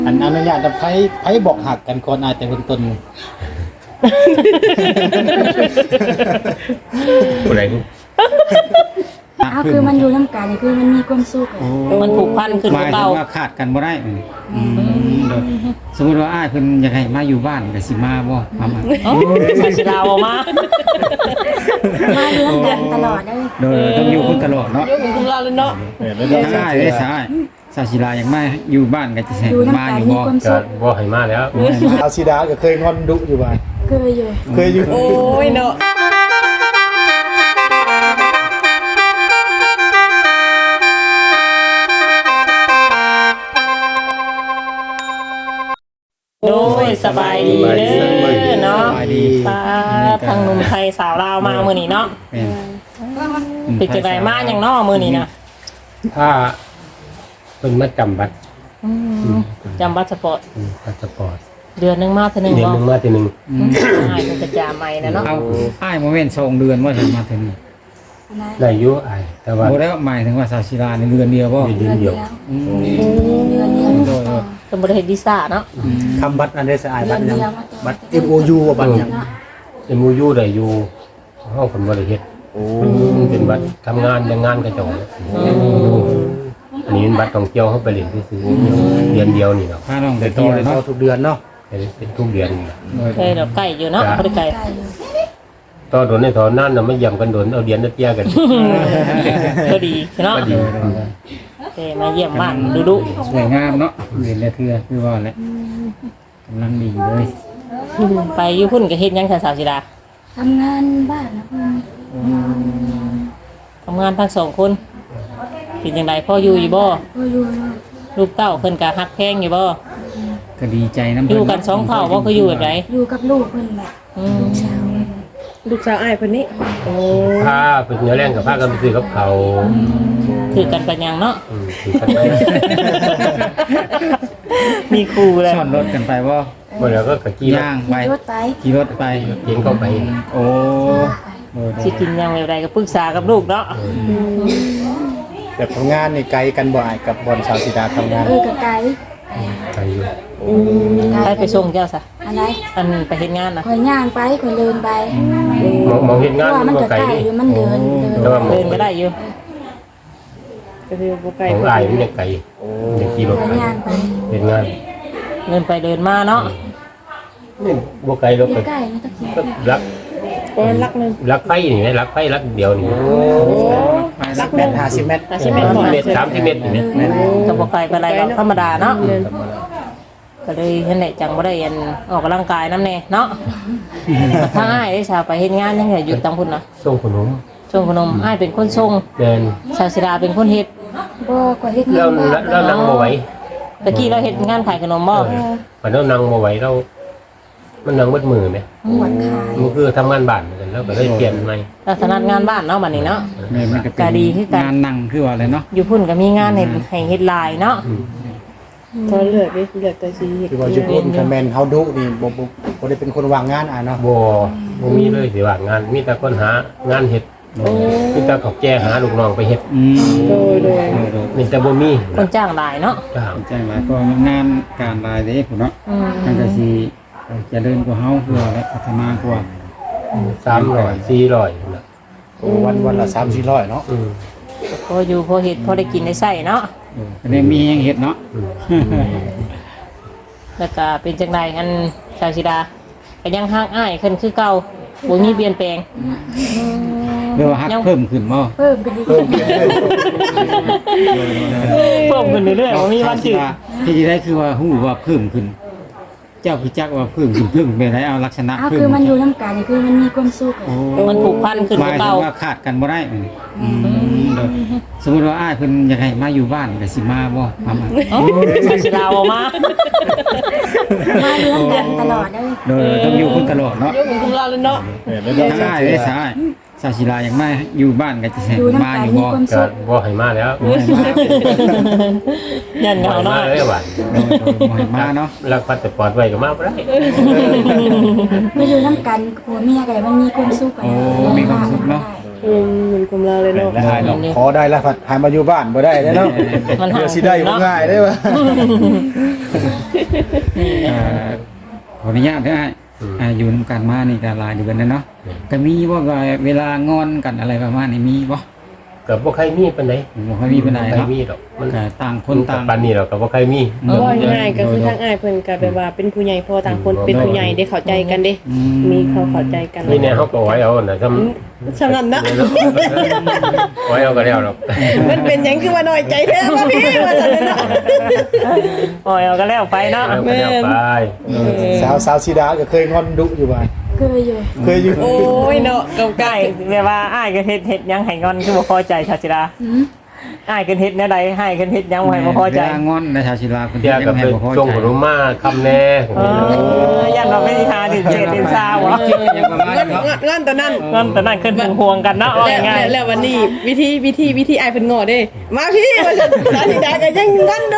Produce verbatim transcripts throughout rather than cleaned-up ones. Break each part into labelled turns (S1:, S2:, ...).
S1: อันอนุญาตจะไผไผบอกหักกันก่อนอายแต่เบื้องต้น
S2: ผู้ใด
S3: อ้าวคือมันอยู่น้ำกันนี่คือมันมีความสุขอะ
S4: มันผูกพันขึ้น
S1: หมาย
S4: เก่า
S1: ถึงว่าขาดกันบ่ได้อืมโดยสมมุติว่าอ้ายเพิ่นอยากให้มาอยู่บ้านก็สิมาบ่มามา
S4: โอ้สาชิลาวออกมา
S3: มาอยู่น้ำกันตลอดเลย
S1: โดยต้องอยู่คุณตลอดเนาะ
S4: ยกมือคุณลาเลยเนาะ
S1: ใช่ได้ใช่สาศิลาอย่างมาอยู่บ้านก็จะแสง
S3: อยู่น้ำ
S1: มา
S3: กัน
S1: อยู่
S3: มี
S1: บ่
S3: ความ
S2: ก็
S3: สุข
S2: บ่ให้มาแล้ว
S5: อาซิดาก็เคยงอนดุอยู่บ้าน
S3: เคยอยู่
S5: เคยอยู่
S4: โอ้ยเนาะโดยสบายดีเด้อเนาะ
S1: สบายดี
S4: ป้าทางหนุ่มไทยสาวลาวมามื้อนี้เนาะ
S1: เป็น
S4: เป็นจังไดมาหยังเนาะมื้อนี้นะ
S2: ถ้าเพิ่นมาจำบัตร
S4: อืมจำบัตรสปอร์ต
S2: อืมพาสปอร์ต
S4: เดือนหนึงมาเท่านึง
S2: เดือน
S4: บ่
S2: หนึงมาทีหนึง
S1: อืม
S4: ใช่เป็นกระจาใหม่นะเนาะ
S1: เอาอ้ายโมเมนต์สองเดือนว่าถึงมาถึงนี่
S3: อันนั้น
S2: ได้อยู่อ้ายแต่ว่า
S1: บ่ได้หมายถึงว่าสาศิลาในเดือนเดียวบ่
S2: เดือนเดียว
S1: อืม
S3: เดือนเดียว
S1: โดยโดย
S4: ต้องบ่ได้เฮ็ดวีซ่าเนาะ
S5: คำบัตรอันเดสไอ
S3: เดื
S5: บั
S3: อ
S5: ต
S3: น
S5: รยัง
S3: เดียว
S5: บัตร เอ็ม โอ ยู ว่าบัตรยัง
S2: เอ็มยูได้อยู่เฮาเพิ่นบ่ได้เฮ็ด
S5: โอ้
S2: มันเป็นบัตรทำงานแต่งงานกระจอกอันนี้เป็นบัตรท่องเที่ยวเฮาไปเล่นซื่อๆเดือนเดียวนี่เนาะ
S1: พาน้องไป
S5: แต่
S1: ต่
S5: ที่
S1: อ
S5: ได้
S1: เนาะ
S5: เข้าทุกเดือนเนาะ
S2: เป็นทุกเดือนนี่ล่ะ
S1: โดย
S4: เคยดอกไก่อยู่เนาะบ่ได้ไก่
S3: ใกล้อยู่
S2: ต่อโดนในถอนนั่นน่ะไม่ย่ำกันโดนเอาเดือนละเตี้ยกัน
S4: ก็ดีเนาะ
S2: ก็ดี
S4: เอ้มาเยี่ยมบ้านดูดู
S1: สวยงามเนาะเรียนได้เทื่อคือว่าแหละกำลังดีเลย
S4: ไปอยู่พุ่นก็เฮ็ดหยังค่ะสาวสิดา
S3: ทำงานบ้านนะเพื่อน
S4: ทำงานทั้งสองคนเป็นจังไดพ่ออยู่อยู่บ่
S3: ก็อยู่
S4: ลูกเต้าเพิ่นก็ฮักแพงอยู่บ่
S1: ก็ดีใจนำ
S4: อยู่กันสองเผ่าบ่คืออยู่แบบใด
S3: อยู่กับลูกเพื่อนแบบ
S4: อืม
S3: เช้า
S6: ลูกสาวอ้ายคนนี้
S4: โอ้
S2: ผ้าเป็นเนื้อแรงกับผ้ากันไปซื้อกับเขาว
S4: ถือกันปัญญังเนาะ
S2: อืมถือกันไป
S4: มีครูเลย
S1: ซ่อนรถกันไปบ่
S2: เมื่อแล้วก็กะกี้
S1: ย่างไป
S3: ขี่รถไป
S1: ขี่รถไป
S2: เย็นเข้าไป
S1: โอ้โดย
S4: สิกินหยังแบบใดก็ปรึกษากับลูกเนาะ
S5: แบบทำงานในไกลกันบ่อยกับบอลสาวซิดาทำงาน
S3: เออกับไก่
S2: ไปอยู่
S4: ใครไปส่งเจ้าซะ
S3: อะไร
S4: อันไปเฮ็ดงานน่ะ
S3: คอยย่างไปคอยเดินไป
S2: มองมองเห็น
S3: เพ
S2: งาน
S3: ราะว่า
S2: มั
S3: มัน น
S2: บ่
S3: ก็
S2: ไกล
S3: ไก่
S2: นี่
S3: อยู่มันเดินเดิน
S2: แต่ว่า
S4: เดินก็ได้อยู่
S6: ก็คือบ่ไกล
S2: ของอายมันยังไกลยังขี่รถ
S3: คอย
S2: ไป
S3: ย่างไป
S2: เห็นงาน
S4: เดินไปเดินมาเนาะ
S2: นี่บ่ไกลรถ
S3: อ
S2: ไป
S3: ยู่ใกล้ไม่ต้องขี่
S2: ก็รัก
S6: ก็รักหนึง
S2: รักไฟนี่นะรักไฟรักเดียวนี่
S5: สักแมตรห้าสิบเมตร
S6: ห้าสิบเมตร
S2: เมตรสามสิบเมตรนี่นะ
S4: ก็บ่ไกลไปานใดหรอกธรรมดาเนาะ
S6: เดิน
S4: ก็เลยเห็นแหละจังบ่ได้อันออกกำลังกายนำแน่เนาะถ้าอ้ายได้ชาวไปเฮ็ดงานยังไงอยู่ตามพุ่นน่ะ
S2: ส่งขนม
S4: ส่งขนมอ้ายเป็นคนส่ง
S2: เดิน
S4: ชาวศิลาเป็นคนเฮ็ด
S3: บ่กว่าเฮ็ด
S2: แล้
S3: งา
S2: วน
S3: บ้าน
S2: แล้วนั่งบ่ไหว
S4: ตะกี้เราเฮ็ดงานขายขนมบ่
S2: พอเรานั่งบ่ไหวเรามันนั่งมืดมือไหม
S3: ปวดขา
S2: มันคือทำงานบ้านเหมือนกันแล้วก็เลยเปลี่ยนใหม่
S4: เราถนัดงานบ้านเนาะบัดนี้เนาะ
S1: แม่มันก็เป็
S4: ก็
S1: น
S4: ดีคือกัน
S1: งานนั่งคือว่าอะไรเนาะ
S4: อยู่พุ่นก็มีงานให้ให้เฮ็ดหลายเนาะ
S6: พอเลือกได้เลือกแต่สีเฮ็ด
S5: คือว่าจุดพุ่นคะแมนเฮาดุนี่บ่บ่บ่ได้เป็นคนวางงานอ่ะเนาะ
S2: บ่บ่มีเลยสิว่างานมีแต่คนหางานเฮ็ดมีแต่เขาแจ้หาลูกน้องไปเฮ็ด
S1: อืม
S6: โดยโดย
S1: โดยโดย
S2: มีแต่บ่มี
S4: คนจ้างหลายเนาะ
S2: จ้าง
S1: แจ้งหลายก็งานการรายเด้พุ่นเนาะ
S4: อืม
S1: มันก็สิเจะเดินกว่าเฮาคือว่าและพัฒนากว่า
S2: สามร้อยสี่ร้อยนะ
S5: โอ้วันวันละสามสี่ร้อยเนาะ
S2: อืม
S4: พออยู่พอเฮ็ดพอได้กินได้ใช้เนาะ
S1: เออก็ได้มีหยังเฮ็ดเนาะ
S2: อืม
S4: แล้วก็เป็นจังไดอันชาวศิลาก็ยังฮักอ้ายขึ้นคือเก่าบ่มีเปลี่ยนแปลง
S1: เรียกว่าฮัก
S4: ยัง
S1: เพิ่มขึ้นบ่
S3: เพิ่มขึ้นอีก
S5: เพิ่มขึ้นเรื่อย
S4: เพิ่มขึ้นเรื่อยๆบ่มีวันจืด
S1: ที่จะได้คือว่าฮู้ว่าเพิ่มขึ้น เจ้าคือจักว่าเพิ่มขึ้นเพิ่มเป็นไรเอาลักษณะ
S3: อ้าว
S1: เพิ่ม
S3: คือมันอยู่น้ำกันนี่คือมันมีความสุขอะ
S1: โอ้
S4: มันผูกพันขึ้น
S1: หมายถึ
S4: เก่าง
S1: ว่าขาดกันบ่ได้อืมอืมโดยสมมุติว่าอ้ายเพิ่นอยากให้มาอยู่บ้านก็สิมาบ่มามา
S4: เอ้าชาวศิลาออกมา
S3: มาอยู่น้ำกันตลอดเลย
S1: โดยต้องอยู่คุณตลอดเนาะ
S6: ยกมือคุณลาเลยเนาะ
S1: ใช่ได้ใช่สาศิลาอย่างมาอยู่บ้านก็จะแสง
S3: อยู่น้ำ
S1: มา
S3: กัน
S1: อยู่
S3: มี
S1: บ่
S3: ความ
S2: ก็
S3: สุข
S2: บ่ให้มาแล้ว
S1: บ่ให้มา
S4: ยันเหงา
S2: บ่
S4: เนาะ
S2: ให้มาเลยหวาน
S1: โดยโดยบ่ให้มาเนาะ
S2: รักพัดแต่ปลอดไว้ก็มาบ่ได้
S3: มาอยู่น้ำกันผัวเมียกันมันมีความสุขอะ
S1: โอ้มีความสุขเนาะ
S3: ไ
S6: อืมเหมือนคุมเราเลยเนาะ
S5: แล้วหายเนาะขอได้แล้วผัดหายมาอยู่บ้านบ่ได้เด้อเนาะ
S4: มันหา
S5: เดี๋ยวสิได้บ่ง่ายเด้อว่า
S1: อ่าขออนุญาตได้อ่าอยู่นำกันมานี่ก็หลายเดือนแล้วเนาะก็มีว่าเวลางอนกันอะไรประมาณนี้มีบ่
S2: ก็บ่ใครมีปานใด
S1: บ่ค่อยมีปานใด
S2: ใคร
S1: เนาะ
S2: มีดอกมัน
S1: ก็ต่างคนต่าง
S2: ปานนี้ดอกก็บ่ใครมี
S6: ว่าง่ายๆก็คือทางอ้ายเพิ่นก็แบบว่าเป็นผู้ใหญ่พอต่างคนเป็นผู้ใหญ่ได้เข้าใจกันเด้
S1: อืม
S6: มีเขาเข้าใจกัน
S2: นี่แน่เฮาก็ไว้เอาน่ะทำ
S6: ฉะนั้นนะ
S2: ไว้เอาก็แล้วดอก
S6: มันเป็นหยังคือว่าน้อยใจแท้ว่าพี่ว่าซั่นเนาะ
S4: โอ้ยเอาก็แล้วไปเนาะ
S2: เอาก็แล้วไป
S5: สาวสาวสีดาก็เคยงอนดุอยู่บ้าน
S3: เคยอยู่
S5: เคยอยู่
S6: โอ้ยเนาะเก่า
S4: ใกล้แบบว่าอ้ายก็เฮ็ดเฮ็ดหยังให้งอนคือบ่พอใจชาชิดา
S3: หืม
S4: อ้ายก็เฮ็ดแนวใดให้กันเฮ็ดหยังบ่ให้บ่พอใจ
S1: เวลางอนนะชาวศิลาคน
S2: เดี๋ยวก็
S1: ให้
S2: ไป
S1: บ่พอ
S2: ส่ง
S1: ใจ
S2: ขนมมาคำแน่
S4: เออยันว่าไม่ได้ทาดิเศษดินซาวะ
S1: ยังประมาณ
S6: ๆงั้น
S1: เนาะ
S6: งั้นตอนนั้น
S4: เงินแต่นั่นขึ้นถึงห่วงกันเนาะเอา
S6: แล้ว
S4: ง่าย
S6: แล้วแล้ววันนี้วิธีวิธีวิธีอ้ายเพิ่นง้อเด้ มาพี่ว่าซั่นสาธิดาก็ยังงั้นดู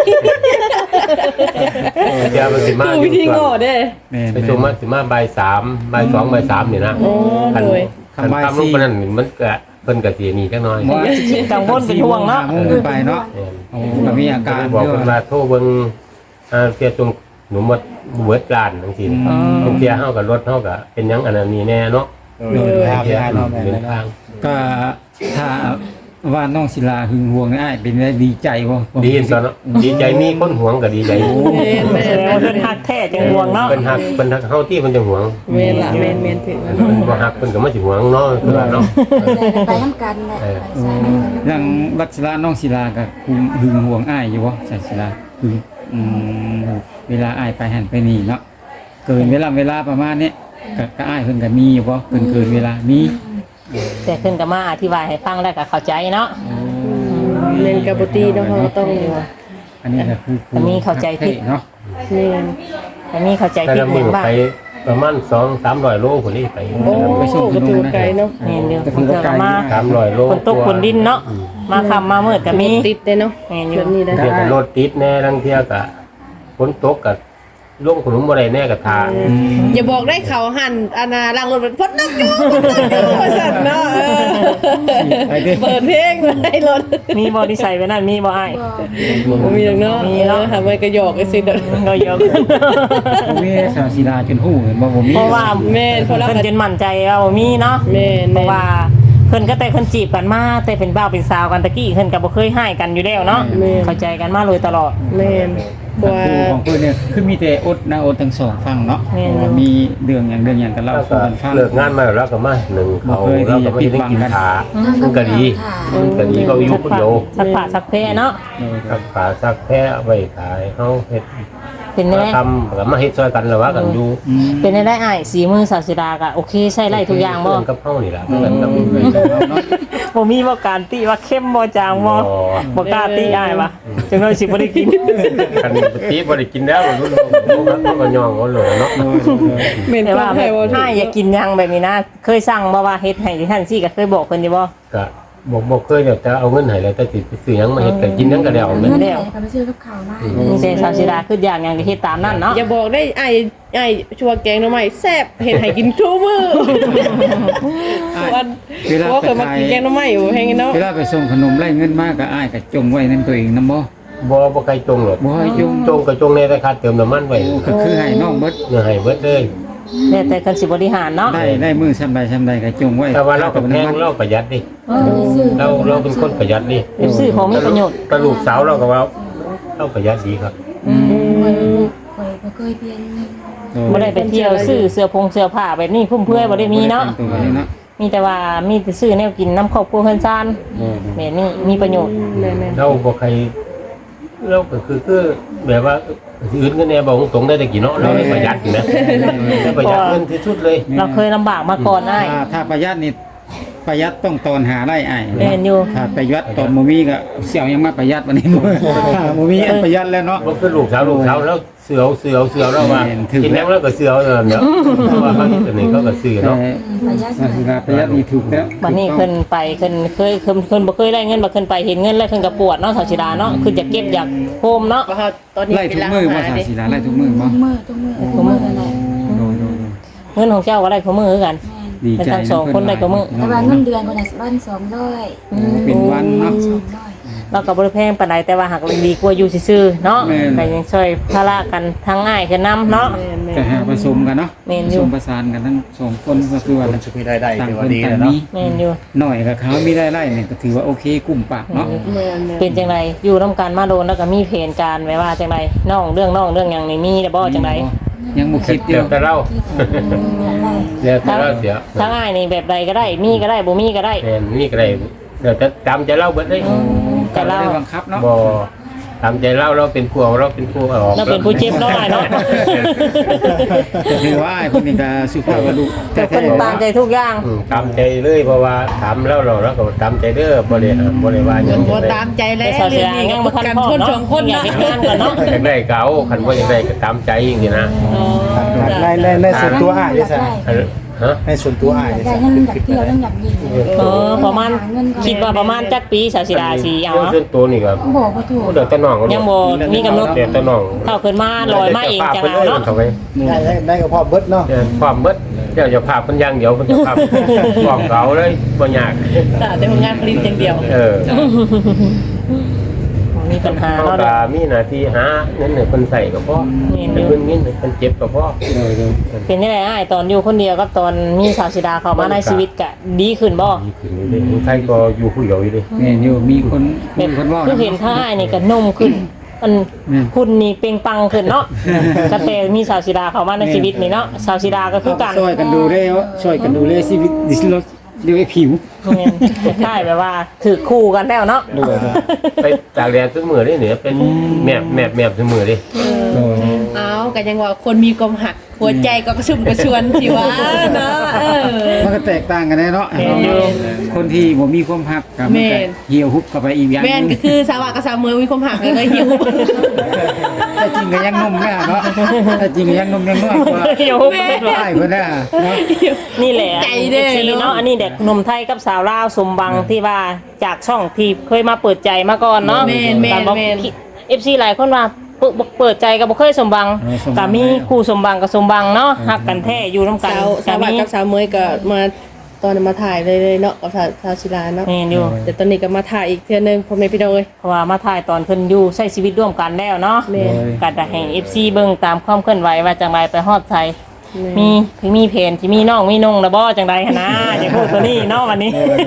S2: เดี๋ยวมันสิมา
S6: คือวิธีง้อเด้
S1: แม่
S2: ไปส่งมาสิมาบ่ายสามบ่ายสองบ่ายสามนี่นะ
S6: โอ้
S2: คัน
S6: โดย
S2: คันทำลูกปานนั้นมันก็เพิ่นก็สิหนีจักหน่อย
S1: ว่า
S4: ๆกังวลเป็นห่วงเนาะ
S1: โมงขึ้นไปเนาะโอ้ก็มีอาการ
S2: บอก
S1: เย
S2: เพิ่น
S1: อะ
S2: ว่าโทรเบิ่งอ่าเสียจงหนูหมดเบิดร้านจังซี่บางเที่ยเฮาก็รถเฮาก็เป็นหยังอันนั้นนี่แน่เนาะ
S5: โดยทาง
S2: เที่ย
S5: ได้เนาะแม่
S2: เดิน
S5: น
S2: ทาง
S1: ก็ถ้าว่าน้องศิลาหึงหวงนี่อ้ายเป็นได้ดีใจบ่
S2: ดีตอนเนาะดีใจมีคนหวงก็ดีใจ
S6: แม่นแม่น
S4: แล้วเพิ่นฮักแท้จังห่วงเนาะ
S2: เพิ่นฮักเพิ่นฮักเฮาที่เพิ่นจะหวง
S6: แม่นล่ะแม่นแม่นถึง
S2: เพิ่นบ่ฮักเพิ่นก็มาสิหวงเนาะคือว่าเนาะ
S3: ไปน้ำกันแหละไปใส่น้ำกัน
S1: อย่างบัดศิลาน้องศิลาก็คุมหึงหวงอ้ายอยู่บ่ใช่ศิลาหึงอืมเวลาอ้ายไปหันไปนี่เนาะเกินเวลาเวลาประมาณนี้ก็ก็อ้ายเพิ่นก็มีอยู่บ่เกินเกินเวลามี
S4: แต่ขึ้นก็มาอธิบายให้ฟังแล้วก็เข้าใจเนาะ
S6: เล่นกับบ่ตีเนาะเราก็ต้อง
S1: อันนี้ก็คือ
S4: แต่มีเข้าใจผิด
S1: เนาะ
S6: แม่น
S4: แต่มีเข้าใจ
S2: แต่
S4: ผิด
S2: ละ
S4: ห
S2: มื้
S4: ยั
S2: อง
S4: บ้าง
S2: ไปประมาณสองสามร้อยโลพุ่นนี่ไป
S6: โอ้ก็ถือว่าไกลเนาะ
S4: นี่เดียว
S1: ก็
S4: เพิ่
S1: ถื
S4: น
S1: อว่าไกล
S4: ก็มา
S2: สามร้อยโล
S4: คนตกคนดินเนาะมาค่ำมามืดก็มี
S6: ติดเด้เนาะ
S4: แม่นอยู่
S6: จุดนี้ได้
S2: เดี๋ยวก็รถติดแน่ลังเที่ยก็ฝนตกก็ลงขนมบ่ได้แน่ก็ทา
S6: อย่าบอกได้เขาหั่นอานาล้างรถเป็นพดนักอยู่พดนักอยู่ว่าซั่นเนาะเออ
S1: ไปดิ
S6: เปิดเพลงไว้รถ
S4: มีบ่ที่ใส่ไว้นั่นมีบ่อ้าย
S6: บ่มีหรอกเนาะ
S4: มีเนาะ
S6: ออหาไว้ก็หยอกไอ้สิเด้อ
S4: เราเยอะ
S1: ผมมีสาวศิลาจนหู้เห็นบ่ผมมี
S4: เพราะว่า
S6: แม่นเพราะเรา
S4: เพิ่น
S6: ก็
S4: จนมั่นใจว่าบ่มีเนาะ
S6: แม่น
S4: เพราะว่าเพิ่นก็แต่เพิ่นจีบกันมาแต่เป็นบ่าวเป็นสาวกันตะกี้เพิ่นก็บ่เคยให้กันอยู่แล้วเนาะเข้าใจกันมาโดยตลอด
S6: แม่นเพราะว่า
S1: คู่ของเพิ่นเนี่ยคือมีแต่อดนะอดทั้งสองฝั่งเนาะ
S4: แม่น
S1: มีเรื่องอย่างเรื่องอย่างกันเล่า
S2: แล้ว
S1: สู่
S2: ก็
S1: กันฟัง
S2: เลิกงานมาแล้วก็มาหนึ่งเขา
S1: บ่เคยที่
S2: แล้วก็ไม่
S1: จะปิด
S2: ได้
S1: บัง
S2: กิน
S1: กัน
S2: ขามันก็ดีมันก็ดีเขาอยู่คนเดียว
S4: สักผ้าสักเพเนาะ
S2: สักขาสักแพ้เอาไว้ขายเขาเฮ็ด
S4: เป็น
S2: มา
S4: แน่
S2: ทำก็มาเฮ็ดช่วยกันแล้วว่ากันอยู่
S1: อืม
S4: เป็นได้อ้ายสีมือสาวสิดาก็โอเคใช้ไล่ทุกอย่างบ่
S2: เพื่นกับเฮานี่ล่ะเพื่อนกับ
S1: เนาะ
S4: บ่มีบ่การติว่าเข้มบ่จางบ่บ่กล้าติอ้ายว่ะจังได๋สิบ่ได้กิน
S2: คันตีบ่ได้กินแล้วมันรู้มันก็ย่องเอาเลยเนาะ
S6: แม่น
S4: แต่
S6: ก็
S4: ว่า
S6: ให้บ่
S4: อ้ายอยากกินหยังแบบนี้นะ เคยสั่งบ่ว่าเฮ็ดให้ท่านซี่ก็เคยบอกเพิ่นอยู่บ่
S2: ก็บอกบอกเคยเดี๋ยวจะเอาเงินให้แล้วแต่สิไปซื้อหยังมาเฮ็ดก็กินหยังก็แล้ว
S3: เงิ
S2: แม่
S3: น
S2: น
S3: ไหนก็ไปซื้อกับข้าวมา
S4: มีแต่สาวสิดาคืออย่างหยังก็เฮ็ดตามนั้นเนาะ
S6: อย่าบอกได้ไอ้ไอ้ชัวแกงหน่อไม้แซ่บเห็นให้กินทุกมื้อวัน
S1: เวลา
S6: เพราะ
S1: ไป
S6: เคยมา
S1: ขาย
S6: กินแกงหน่อไม้อยู่แฮงเนาะ
S1: เวลาไปส่งขนมไล่เงินมากก็อ้ายก็จงไว้ในตัวเองนำบ่
S2: บ่บ่ใครจงหรอก
S1: บ่ให้จง
S2: จงก็จงในราคาเติมน้ำมันไว้
S1: ก็คือให้น้องเบิด
S2: เนื้อให้เบิดเลย
S4: แต่แต่กันสิบริหารเนาะ
S1: ได้ได้มือซำใดซำใดก็จงไว้
S2: แต่ว่าเราก็แพงเราประหยัดดิเราเราเป็นคนประหยัดดิ
S4: เป็นซื้อของมีประโยชน์
S2: กระลูกสาวเราก็ว่าเราประหยัดดีครับ
S3: เคยเคยบ่เคยเปลี่ยนเงิน
S4: บ่ได้ไปเที่ยวซื้อเสื้อผงเสื้อผ้าแบบนี้พุ่มเพื่อยบ่ได้มีเนาะ
S1: ตัวนี้เนาะ
S4: มีแต่ว่ามีแต่ซื้อแนวกินน้ำครอบครัวเพิ่นซ่านแบบนี้มีประโยชน์
S6: แม่น
S2: เราบ่ใครเราก็คือคือแบบว่าอื่นก็แน่บอกตรงๆได้แต่กี่เนาะเราได้ประหยัดอยู่นะได้ประหยัดเงินที่สุดเลย
S4: เราเคยลำบากมาก่อนอ้าย
S1: ถ้าถ้าประหยัดนี่ประหยัดต้องตอนหาได้อ้าย
S4: แม่นอยู่
S1: ถ้าประหยัดตอนบ่มีก็เสี่ยวยังมาประหยัดวันนี้บ่ถ้าบ่มีอันประหยัดแล้วเนาะ
S2: บ่คือลูกสาวลูกสาวแล้วเสือเสือเสือแล้วว่า
S1: แม่นถึง
S2: กินแล้วแล้วก็เสือนั่นเนาะเพราะว่าบางทีนี่เขาก็ซื้อ
S1: แต่
S2: เนาะ
S3: ประหยัด
S1: ศาสนาประหยัดนี่ถูกแล้ว
S4: บัดนี้เพิ่นไปเพิ่นเคยเพิ่นเพิ่นบ่เคยได้เงินบ่เพิ่นไปเห็นเงินแล้วเพิ่นก็ปวดเนาะสาวสิดาเนาะคือจะเก็บอยากโฮมเนาะ
S6: ว่าตอนนี้
S1: ไล่
S6: เป็
S1: ทุ
S6: น
S1: ก
S6: ร้าน
S1: มือ
S6: อา
S1: บ่
S6: หาร
S1: ศา
S6: เด้
S1: สิลาไล่ทุกมือบ่
S3: ทุกมื้อทุกมื้อทุกมื้อนั่นแหละ
S1: โดยโดยโดย
S4: เงินของเจ้าก็ได้ของมือคือกัน
S3: แม่น
S1: ดี
S4: เป็น
S1: ใจ
S4: ทั้งสองคนได้ก็มื้อ
S3: แต่ว่าเงินเดือนคนละวันสองร้อย
S1: เป็นวันเนาะ
S3: สองร้อย
S4: เราก็บ่ได้แพงปานใดแต่ว่าหักดีกว่าอยู่ซื่อๆเนาะ
S1: แม่น
S4: ก็ยังช่วยภาระกันทั้งง่ายคือนํเนาะ
S6: แม่นแม่
S1: ก็
S6: น
S1: หาผสมกันเนาะ
S4: แม่น
S1: ผ
S4: อยู่
S1: สมประสานกันทั้งสองคนก็คือว่า
S5: มันจะมีรายได้
S1: ต่าง
S5: ถือ
S1: ค
S5: ว่าน ดี
S1: ต่าง
S5: แล้วเนาะ
S1: มี
S4: แม่นอยู่
S1: หน่อยกับเขามีได้ไร่เนี่ยก็ถือว่าโอเคกุ้มปากเนาะ
S6: แม่นแม่น
S4: เป็นจังไดอยู่นํกันมาโดนแล้วก็มีเพนการไว้ว่าจังไดน้องเรื่องน้องเรื่องหยังนี่มีได้บ่จังได
S1: ยังบ่คิดอ
S2: เดี๋ย
S1: ยู่
S2: วแต่เล่า
S3: อยากได้
S2: เดี๋ยวแต่เล่าเดี๋ยว
S4: ทั้งอ้ายนี่แบบใดก็ได้ มีก็ได้บ่มีก็ได้
S2: แม่นนี่ก็ได้เดี๋ยวจะตามใจเล่าเบิดเลย
S1: ก็บ่ได้บังคับเนาะ
S2: บ่ตามใจเล่าเราเป็นผู้เอาเราเป็นผู้เอาออก
S4: เราเป็นผู้เจ็บเนาะอ้ายเนาะ
S1: ก็ถือว่าไอ้คนนี้ก็สุภาพบุรุษ
S4: แต่เพิ่นตามใจทุกอย่าง
S2: อืมตามใจเลยเพราะว่าถามแล้วเราแล้วก็ตามใจเด้อบ่ได้ห้ามบ่ได้ว่าหยัง
S6: บ่ตามใจแล้ว
S4: แต่สาวเสี
S6: เรื่
S4: ย
S6: องนี้
S4: ยั
S6: ก็
S4: ง
S6: ป
S4: บ่
S6: ระ
S4: ทัน
S6: กัน
S4: พอ
S6: คน
S4: เนาะ
S6: สองคน
S4: อยาก
S6: นะ
S4: เฮ็ดงานก่อนเนาะ
S2: อยากได้ก็เอาคันบ่อยากได้ก็ตามใจอย่างนี้นะ
S6: อ๋อ
S5: ในในในส่วนตัวอ้ายนี่ซะ
S2: อันฮะ
S5: ในส่วนตัวอ้าย
S3: อยาก
S5: นี่
S3: ได้
S5: ซะ
S3: เงินอยากเที่ยวเรื่องอยากยิง
S4: เออประมาณคิดว่าประมาณจักปีสาวสิดาสิเอา
S2: เรื่อง
S4: เนาะ
S2: ส่วนตัวนี่ก็
S3: บอกว่าถูก
S2: เดี๋ยวแต่น้องก็
S4: ยังบ่มีกำหนด
S2: เดี๋ยวแต่น้อง
S4: เท่าขึ้นมาลอยมาเองจัง
S2: ไป
S4: เอา
S2: เลย
S4: เนาะ
S2: เข้าไป
S5: ได้ได้ได้ก็พอเบิดเนาะ
S2: เดี๋ยวความเบิดเดี๋ยวจะพาเพิ่นอย่างเดียวเพิ่นจะพาบอกเขาเลยบ่ยาก
S6: แต่แต่ผลงานผลิตอย่างเดียว
S2: เออ
S4: มีปัญหา
S2: เขา
S4: เนาะ
S2: ก็มีหน้าที่หาเงินให้เพิ่นใส่ก็พอ
S4: นี่
S2: เพิ่นเงินให้เพิ่นเจ็บก็พอ
S4: เป็นจังไดอ้ายตอนอยู่คนเดียวกับตอนมีสาวสิดาเข้ามาในชีวิตก็ดีขึ้นบ่
S2: ดีขึ้นอยู่เด้ใครก็อยู่ผู้เดียวอยู่เด้
S1: แม่นอยู่มีคนคุ
S4: แบ
S1: ย
S4: บ
S1: คนเว่า
S4: คือเห็นท่าอ้ายนี่ก็นุ่มขึ้นอัน
S1: แม่น
S4: คุณนี่เปล่งปลังขึ้นเนาะก็แต่มีสาวสิดาเข้ามาในชีวิตนี่เนาะสาวสิดาก็คือกัน
S1: ช่วยกันดูได้ว่าช่วยกันดูแลชีวิตดิสลดเรียกว่าผิว
S4: แม่นคล้ายๆแบบว่าถือคู่กันแล้วเนาะ
S2: ไปตากแดดทุกมื้อเด้เนี่ยเป็นแมบแมบแมบทุกมื้อเด้
S6: เอากันยังว่าคนมีความหักหัวใจก็กระชุ่มกระชวนสิวะเนาะเออ
S1: มันก็แตกต่างกันแน่เนาะคนที่บ่มีความหักกับมันก็เหี่ยวหุบเข้าไปอีกอย่างห
S6: แม่น
S1: นึ
S6: ก็
S1: ง
S6: คือสาวะกับสาวเมืองมีความหักเลยก็หิว
S1: แต่จริงก็ยังนุ่มแน่เนาะแต่จริงก็ยังนุ่มยังน้อยกว่า
S4: เดี๋ยว
S1: ได้เพิ่นน่ะเนาะ
S4: นี่แหละ
S6: ใจเด้อ
S4: ซีเนาะอันนี้เด็กหนุ่มไทยกับสาวลาวสมบังที่ว่าจากช่องที่เคยมาเปิดใจมาก่อนเนาะ
S6: แม่นแม่นแม่น
S4: เอฟซีหลายคนว่าเปิดเปิดใจกับบ่เคยสมบังก็มีคู่สมบังกับสมบังเนาะฮักกันแท้อยู่นํกัน
S6: สาวสาวะกับสาวเมยก็มาตอนนั้นมาถ่ายเลยเลยเนาะกับสาวสาวศิลาเนาะ
S4: นี่อยู่
S6: แต่ตอนนี้ก็มาถ่ายอีกเทื่อนึงพ่อแม่พี่น้องเอ้ย
S4: เพราะว่ามาถ่ายตอนเพิ่นอยู่ใช้ชีวิตร่วมกันแล้วเนาะ
S6: แม่น
S4: ก็จะให้ เอฟ ซี เบิ่งตามความเคลื่อนไหวว่าจังไรไปฮอดไทยมีพี่มีเพนที่มีน้องมีนงนะบ่จังไรหั่นนะอย่าพูดตัวนี้เนาะวันนี้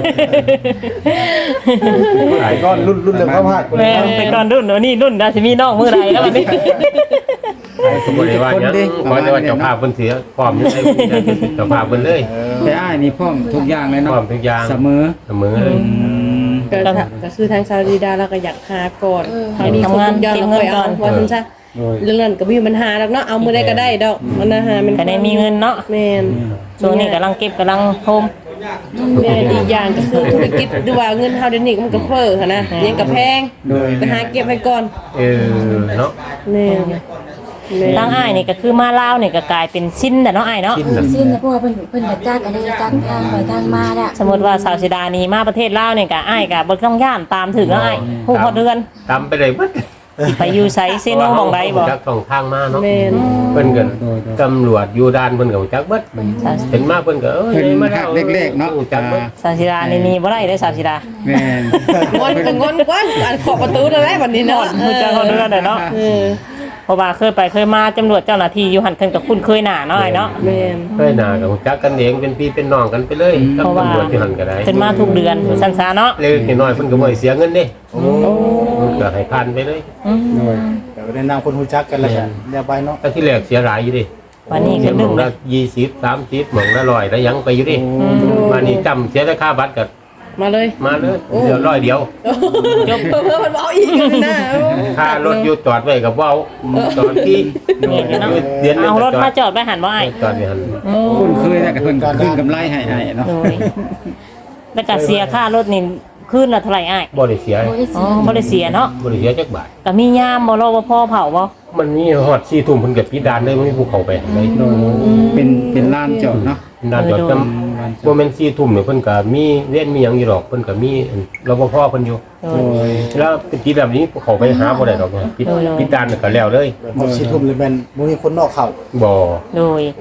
S5: หลายก้อนรุ่นรุ่นเดียวก็พลาด
S4: แม่นแต่ก่อนรุ่นเดี๋ยวนี้รุ่นดาสิมีน้องมื้อใดแล้ววันนี้
S2: สมมุติว่าหยังขอแต่ว่าเจ้าภาพเพิ่นเสียพร้อมอยู่ได้เจ้าภาพเพิ่นเลย
S1: แต่อ้ายนี่พร้อมทุกอย่างเลย
S2: พร้
S1: เนาะ
S2: อมทุกอย่าง
S1: เสมอ
S2: เสมอเลย
S6: ก็ก็คือทางซาอุดีดาเราก็อยากหาก่อนให้มีคนทุกอย่างเราค่อยเอาว่าซั่นซะเรื่องนั้นก็บ่มีปัญหาดอกเนาะเอามื้อใดก็ได้ดอกมันนะฮะมัน
S4: ก็ได้มีเงินเนาะ
S6: แม่น
S4: ช่วงนี้กำลังเก็บกำลังโฮม
S6: แม่นอีกอย่างก็คือธุรกิจหรือว่าเงินเฮาเดี๋ยวนี้มันก็เฟ้อหั่นนะยังก็แพง
S1: โดย
S6: ก็หาเก็บไว้ก่อน
S2: เออเนาะ
S6: แม่นแม่น
S4: ตั้งอ้ายนี่ก็คือมาลาวนี่ก็กลายเป็นชิ้นแต่เนาะอ้ายเนาะ
S2: กิน
S3: เออ
S2: น่ะ
S3: สิ้นเนี่ยเพราะว่าเพิ่นเพิ่นก็จ้างอะไรจ้างทางไปทางมาน่ะ
S4: สมมุติว่าสาวสิดานี่มาประเทศลาวนี่ก็อ้ายก็บ่ต้องย่านตามถึงเนาะอ้ายฮู้ฮอดเดือน
S2: ตามไปเลยเบิด
S4: สิไปอยู่ไสเซโนหม่องใดบ่
S2: จักต้องทางมาเนาะ
S6: แม่น
S2: เพิ่นก็ตำรวจอยู่ด่านเพิ่นก็จักเบิดเห็นมาเพิ่นก็เอ้ย
S1: เพิ่น
S2: มา
S1: หักเล็กๆเนาะ
S2: จักเบิด
S4: สาวสิดานี่นี่บ่ได้เด้อสาวสิดา
S1: แม่น
S6: งอนก็งอนกว่าอันขอบประตูนั่นแหละวันนี้เนาะ
S4: ฮู้จักฮอดเดือนได้เนาะ
S6: เออ
S4: เพราะว่าเคยไปเคยมาตำรวจเจ้าหน้าที่อยู่หันเพิ่นก็คุ้นเคยหน้าเนาะอ้ายเนาะ
S6: แม่น
S2: เคยหน้าก็จักกันเองเป็นพี่เป็นน้องกันไปเลยกับ
S4: เพราะว่า
S2: ตำรวจที่หันก็ได้
S4: เพิ่นมาทุกเดือนซั่นซะเนาะ
S2: เล็กน้อยเพิ่นก็บ่ให้เสียเงินเด้เพิ่นก็ให้ผ่านไปเลย
S4: อืม
S5: เดี๋ยวได้นำคนฮู้จักกันแล้วกันเรียบไปเนาะ
S2: แต่ที่แรกเสียหลายอยู่ดิ
S4: วันนี้
S2: เสี
S4: ก็
S2: ยห
S4: ดึ
S2: ม่อง ง
S4: เล
S2: ละ
S4: ย
S2: ยี่สิบ สามสิบหม่องละร้อยแล้วยังไปอยู่ดิมานี่จำเสียแต่ค่าบัตรก็
S6: มาเลย
S2: มาเลยเดี๋ยวร้อยเดียว
S6: จบเพิ่มมันเอาอีกกันนะ
S2: ค่ารถอยู่จอดไว้กับเว้าตอนที่
S4: นี่อยู่เนาะ
S2: เดือนหนึง
S4: เอารถ
S2: ก็จอ
S4: มา
S2: ด
S4: จอดไว้หันบ่อ้าย
S2: จอดอยู่หั่น
S1: คุ้นเคยแล้วก็เพิ่นก็ขึ้นกำไรให้อ้ายเนาะ
S4: โดยแล้วก็เสียค่ารถนี่คืนละเท่าไหร่อ้าย
S2: บ่ได้เสีย
S3: โอ้ย
S4: อ๋อบ่ได้เสียเนาะ
S2: บ่ได้เสียจักบาท
S4: ก็มียามบ่รอบ่พอเผาบ่
S2: มันมีฮอดสี่ทุ่มเพิ่นก็ปิดด่านเลยบ่มีผู้เข้าไปเลย
S1: เป็นเป็นลานจอดเนาะ
S2: ด่านจอดจำบ่แม่นสี่ทุ่มเนี่ยเพิ่นก็มีเว้นมีหยังอยู่ดอกเพิ่นก็มีรปภเพิ่นอยู่
S4: โดย
S2: แล้วเป็นปิดแบบนี้เข้าไปหาบ่ได้ดอกเนี่ยปิด
S4: โอ้ย
S2: ปิดด่านก็แล้วเลย
S5: หมดสิทุ่มเลยแม่นบ่มีคนนอกเข้า
S2: บ่
S4: โดย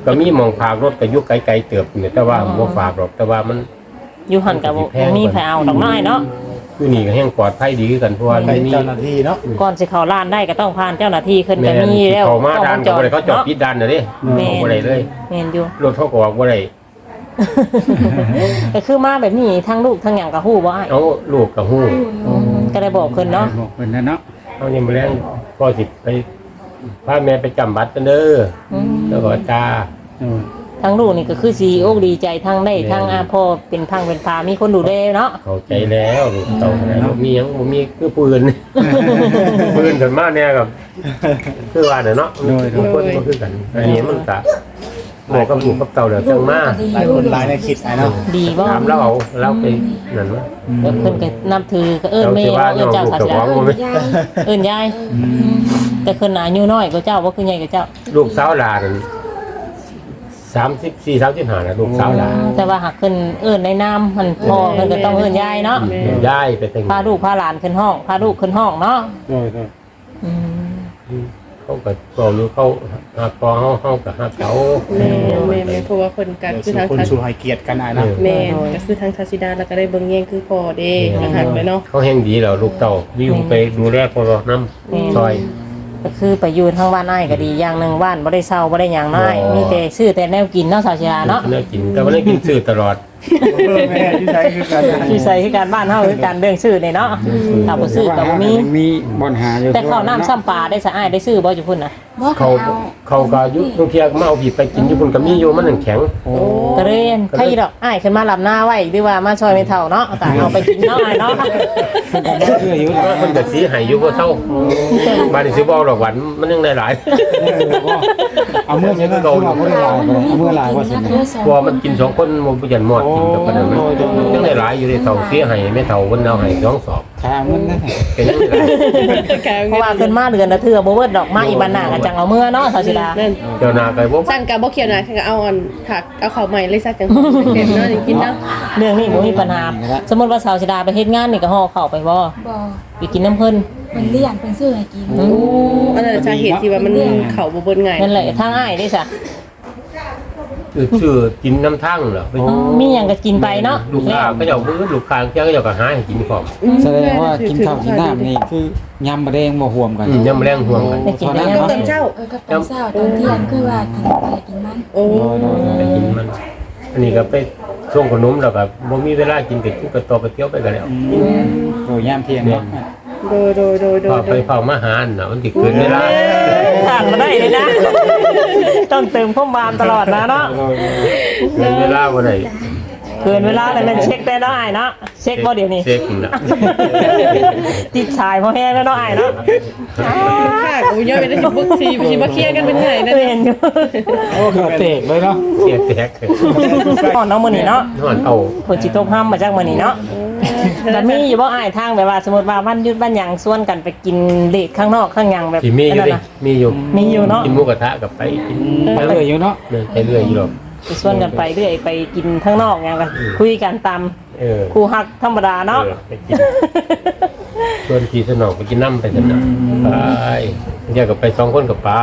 S2: ก็มีหมองฝากรถก็อยู่ไกลๆเติบนี่แต่ว่าบ่ฝากหรอกแต่ว่ามัน
S4: อยู่หันกับบ่มีไผเอาดอกน้อยเนาะ
S2: อยู่นี่ก็แห่งปลอดภัยดีคือกันเพราะว่า
S5: ไป
S2: มันมี
S5: เจ้าหน้าที่เนาะ
S4: ก่อนสิเข้าร้านได้ก็ต้องผ่านเจ้าหน้าที่ขึ้น
S2: แม่
S4: ก็
S2: น
S4: มีแล้ว
S2: เขามาด่าน
S4: กล้
S2: ก็
S4: องวง
S2: บ่ได้เขาจอด
S4: เนาะ
S2: ปิดด่านน่ะเด้
S4: แม่น
S2: บ่ได้เลย
S4: แม่นอยู่
S2: รถเขาก็ออกบ่ได้
S4: ก็คือมาแบบนี้ทั้งลูกทั้งหยังก็ฮู้บ่อ้าย
S2: เอาลูกก็ฮู้
S4: ก็ได้บอกเพิ่นเนาะ
S1: บอกเพิ่นนะเนาะ
S2: เอายังบ่แรงพ่อสิไปพาแม่ไปจำบัตรกันเด้อ
S4: อืม
S2: แล้วก็จ้า
S1: โดย
S4: ทั้งลูกนี่ก็คือสิอกดีใจทั้งได้ทั้งอาพ่อเป็นพังเป็นพามีคนดูแลเนาะ
S2: เข้าใจแล้วลูกเต่าแล้วบ่มีหยังบ่มีคือปืน ปืนขึ้นมาเนี่ยกับคือว่าเนี่ยเนาะทุกคนก็คือกันอันนี้มันก็บอกกับลูกกับเต่าเดี๋ยวจังมา
S5: หลายคนหลายในคิดไอ้เนาะ
S4: ดีบ่
S2: ถามเราเอาเราไปนั่นวะ
S4: แล้วเพิ่นก็นับถือก็เอิ้น
S2: เรา
S4: แม่
S2: สิว่า
S4: เอิ้
S2: น้
S4: น
S2: อง
S4: เจ้า
S2: ลูก
S4: ศาส
S2: เจ้าข
S4: นา
S2: องบ่แม่น
S3: ยาย
S4: เอิ้นยายแต่เพิ่นอายุน้อยกว่าเจ้าบ่คือใหญ่กว่าเจ้า
S2: ลูกสาวหลานนั่นสามสิบสี่สามสิบห้านะลูกสาวหลาน
S4: แต่ว่าหากเพิ่นเอิ้นในนามมันพ่อเพิ่นก็ต้องเอิ้นยายเนาะ
S2: ย้ายไปแต่ง
S4: พาลูกพาหลานขึ้นห้องพาลูกขึ้นห้องเนาะ
S1: โดยโดย
S4: อืม
S2: เขาก็บอกอยู่เขาหาพอเฮาเฮาก็หาเขา
S6: แม่แม่แม่เพราะว่าคนกัน
S5: เดี๋ยว
S6: คือ
S5: สู่
S6: ทาง
S5: คน
S6: ทัศ
S5: สู่ให้เกียรติกันไอ้เนาะ
S6: แม่ก็คือทางทัศดาแล้วก็ได้เบิ่งแย่งคือพ่อเด้ก็หักเลยเนาะ
S2: เขาแห่งดีแล้วลูกเต่าวิวไปดูแลพอน้ำซอย
S4: ก็คือไปอยู่ทางบ้านอ้ายก็ดีอย่างหนึงบ้านบ่ได้เช่าบ่ได้หยังน้อยมีแต่ซื้อแต่แนวกินเนาะสาวชราเนาะ
S2: น่ากินแต่ว่าได้กินซื้อตลอด
S5: แม่ที่ใช้คือกัน
S4: ที่ใส่คือการบ้านเฮาคือการเรื่องซื้อนี่เนาะถ้าบ่ซื้อก็บ่มี
S1: มีบ่อนหาอยู่
S4: แต่ข้าวน้ำซ้ำปลาได้สะอ้ายได้ซื้อบ่อยู่พุ่นน่ะ
S3: บอก
S2: เขา
S3: ให้เอา
S2: เขาก็อยุบางทีก็มาเอาผีไปกินอยู่บนกระมี่อยู่มันหนังแข็ง
S4: ก็เรียนใครดอกอ้ายขึ้นมาลำหน้าไว้หรือว่ามาช่วยไม่เท่าเนาะก็เอาไปกินเนาะอ้ายเนาะ
S1: เชื่ออยู่
S2: ว่าคนจะสีใหายอยู่บ่เท่าบ้านนี้ซื้อบ่หรอกหวันมันยังได้หลาย
S1: เอาเมื่อใช่ไหมเอาเมื่อหลายเอาเมื่อหลายว่าสิ
S3: เพื่อสอง
S2: พอมันกินสองคนมันบ่ยันหมดกินกับปานนั้นมันยังได้หลายอยู่ในเท่าเสียให้ไม่เท่าคนเอาให้สองสอบ
S1: ทางมันนะ
S2: เป็นยังไง
S4: เพราะว่าขึ้นมาเดือนละเทื่อบ่เบิดดอกมาอีบันหน้าก็จังเอาเมื่อเนาะสาวสิดา
S6: นั่น
S2: เจ้านาไปบ่
S6: สั่นกับบ่เขียวหน่อยก็เอาอันผักเอาข้าวใหม่เลยซักจังเต็มเนาะกินเนาะ
S4: เรื่องนี้บ่มีปัญหาสมมุติว่าสาวสิดาไปเฮ็ดงานนี่ก็ห่อข้าวไปบ่
S3: บอก
S4: ไปกินน้ำเพิ่น
S3: เป็นเลี่ยนเป็นซื้อให้กิน
S6: โอ้อันนั้นสาเหตุที่ว่ามันเข้าบ่เบิ่นง่าย
S4: นั่นแหละทางอ้ายได้ซะ
S2: คือชื่อกินน้ำทั้งเหรอ
S4: มีหยังก็กินไปเนาะ
S2: ลูกค้าก็เจ้าบื้อลูกค้าเจ้าก็เจ้าก็หาให้กินของ
S1: แสดงว่ากินข้าวกินน้ำนี่คือยำมะแดงบ่ห่วมกัน
S2: อืมยังแรงห่วงกัน
S4: ได้กินได้ยัง
S6: ตอนเช้า
S3: เออกับตอนเช้าตอนเที่ยงคือว่ากินอะไรกินมัน
S6: โอ้
S2: ไปกินมัน อันนี้ก็ไปช่วงขนมแล้วก็บ่มีเวลากินก็กินกระตอไปเที่ยวไปกันแล้ว
S1: โดยยามเที่ยงเนาะ
S6: โดยโดยโดยโด
S2: พอย ไปเฝ้ามาหารน่ะมันสิเกินเวลา
S4: ขาดมาได้เลยนะ ต้องเติมข้อมามตลอดนะเนาะ
S2: เกินเวลาบ่ได้
S4: เกินเวลาเลยมันเช็คได้เนาะอ้ายเนาะเช็คบ่เดี๋ยวนี้
S2: เช็คน่ะ
S4: ติดสายพอแห้งแล้วเนาะอ้ายเนาะ
S6: ค่ะกูย่อยไปได้สิบึกสิสิมาเคลียร์กันเป็นไงนั่น
S4: เห็นอยู่
S1: โอ้คือเตกเลยเนาะ
S2: เสียแตก
S4: นอนเนาะมื้อนี้เนาะ
S2: นอนเอา
S4: ฝนสิตกห้ามมาจากมื้อนี้เนาะแต่มีอยู่บ่อ้ายทางแบบว่าสมมุติว่าวันหยุดวันหยังชวนกันไปกินเลทข้างนอกข้างหยังแบบ
S2: สิมีอยู่ดิมีอยู่
S4: มีอยู่เนาะ
S2: กินหมูกระทะกับไปกิน
S1: ไปเลยอยู่เนาะ
S2: เดินไปเรื่อยอยู่หรอก
S4: ไปชวนกันไปเรื่อยไปกินข้างนอกหยังกันคุยกันตาม
S2: เออ
S4: ครูฮักธรรมดาเนาะ
S2: ออไปกินชวนพี่สนองไปกินน้ำไปสนองไปเดี๋ยวก็ไปสองคนกับไป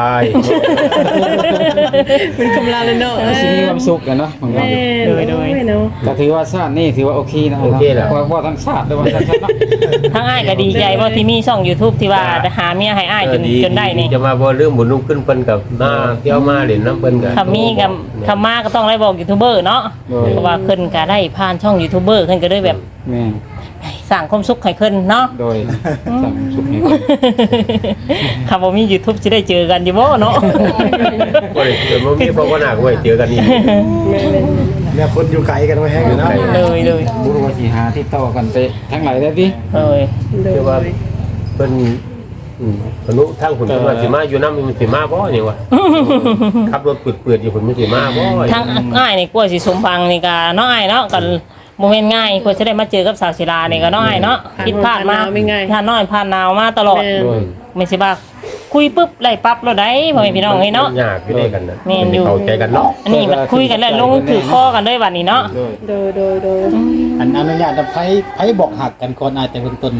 S6: เป็นกำลังเลยเนาะ
S1: สิมีความสุขกันเนาะของเรา
S6: โดยโดยเนาะ
S1: ก็ถือว่าชาตินี่ถือว่าโอเคนะว่าว่าทั้งชาติด้วยว่าทั้งชาติเนาะ
S4: ทั้งอ้ายก็ดีใจว่าที่มีช่อง YouTube ที่ว่าหาเมียให้อ้ายจนจนได้นี่
S2: จะมาบ่เรื่องบุญนุ่มขึ้นเพิ่นกับมาเที่ยวมาเล่นน้ำเพิ่นกับ
S4: คำมีกับคำมาก็ต้องได้บอกยูทูบเบอร์เนาะเพราะว่าเพิ่นก็ได้ผ่านช่องยูทูบเบอร์เพิ่นก็ได้แบบ
S1: แม่
S4: สร้างความสุขให้เพิ่นเนาะ
S1: โดยสั่งสุขนี่
S4: คำว่ามี YouTube สิได้เจอกันอยู่บ่เนาะ
S2: บ่ได้เจอบ่มีเพราะว่าหนักไว้เจอกันนี่
S5: เนี่ยคนอยู่ไกลกันไว้แห้งอยู่เนาะ
S4: เลยเลย
S1: บุรุษสิหาที่ต่อกันไปทั้งหลายได้ดิ
S4: เลย
S2: คือว่าเพิ่นอืมพนุทางผลเพิ่นว่าสิมาอยู่นำมันสิมาบ่นี่วะขับรถเปื้อนๆอยู่เพิ่นมันสิมาบ่
S4: ทั้งอ้ายนี่กลัวสิสมพังนี่ก็เนาะอ้ายเนาะกันบ่แม่นง่ายกว่าจะได้มาเจอกับสาวศิลานี่ก็เนาะอ้ายเนาะผิดพลาดมาผ่านน้อยผ่านหนาวมาตลอด
S2: โดย
S4: ไม่ใช่ว่าคุยปุ๊บไล่ปั๊บแล้วได้พ่อแม่พี่น้องเฮ้ยเนาะ
S2: ยากอยู่ด้วยกันนะ
S4: แม่นอยู่
S2: เข้าใจกันเนาะ
S4: อันนี้มันคุยกันแล้วลงถือข้อกันด้วยบัดนี้เนาะ
S5: โดย
S6: โดยโดยโดย
S5: อันอนุญาตจะไผไผบอกหักกันก่อนอาจจะเบื้องต้น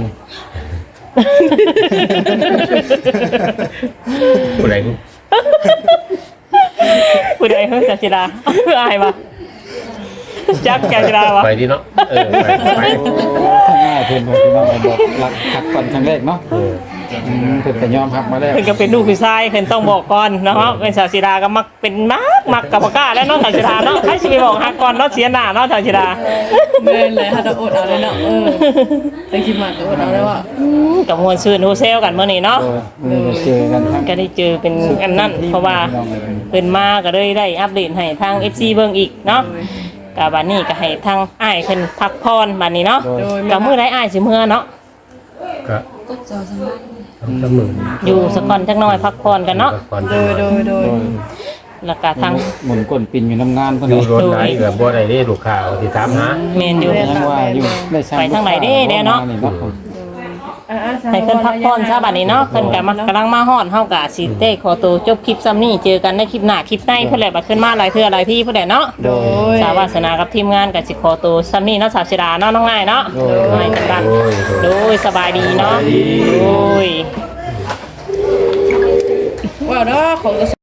S2: ผู้ใด
S4: ผู้ใดเฮ้ยจักจิดาอายบ่จักจักจิดาบ่
S2: ไปที่เนาะเออไปไป
S1: ทั้งง่ายเพิ่นพี่น้องบอกรักทักก่อนครั้งแรกเนาะ
S2: เออ
S1: อืมเพิ่นก็ยอมรับมาแล้ว
S4: เพิ่นก็เป็นลูกผู้ชายเพิ่นต้องบอกก่อนเนาะเป็นสาวจิดาก็มักเป็นมักมักกับบ่กล้าแล้วเนาะสาวจิดาเนาะใครสิไปบอกฮักก่อนเนาะเสียหน้าเนาะสาวจิดา
S6: แม่นเลยถ้าจะอดเอาเลยเนาะเออแต่คิดมากก็อดเอาได้ว่า
S4: กับมวลซื่นโฮเซลกันมื้อนี้เนาะ
S1: เออเจอกันทั้ง
S4: ก็ได้เจอเป็นอันนั้นเพราะว่าเพิ่นมาก็เลยได้อัปเดตให้ทาง เอฟ ซี เบิ่งอีกเนาะก็บัดนี้ก็ให้ทางอ้ายเพิ่นพักผ่อนบัดนี้เนาะ
S6: โดย
S4: ก็มื้อใดอ้ายสิเมื่อเนาะ
S2: ก็
S3: ก็เจอสบาย
S2: เสมอ
S4: อยู่สักก่อนจักหน่อยพักผ่อนกันเนาะ
S2: ก่อน
S6: โดยโดยโดย
S4: แล้วก็ทาง
S1: หมุนก้นปินอยู่น้ำงานเพิ่น
S2: อยู่
S1: นี่
S2: รถไหนก็บ่ได้เด้ลูกค้าเอาสิถามหา
S4: แม่นอยู่
S1: ยังว่าอยู่ได้สร้
S4: ไปทางไหนเด้เด้เนาะ
S6: อ่าๆ
S4: ให้เพิ่นพักผ่อนซะบัดนี้เนาะเพิ่นก็มากำลังมาฮอดเฮาก็สิได้ขอตัวจบคลิปซ้ำนี้เจอกันในคลิปหน้าคลิปในเพิ่นแหละบัดขึ้นมาหลายเทื่อหลายที่เพิ่นแหละเนาะ
S6: โดย
S4: สาววาสนากับทีมงานก็สิขอตัวซ้ำนี้เนาะสาวศิดาเนาะน้องง่ายเนาะง่ายกันบ้าง
S2: โอ้ยโดย
S4: โดยสบายดีเนาะโดย
S6: ว้าวเนาะของ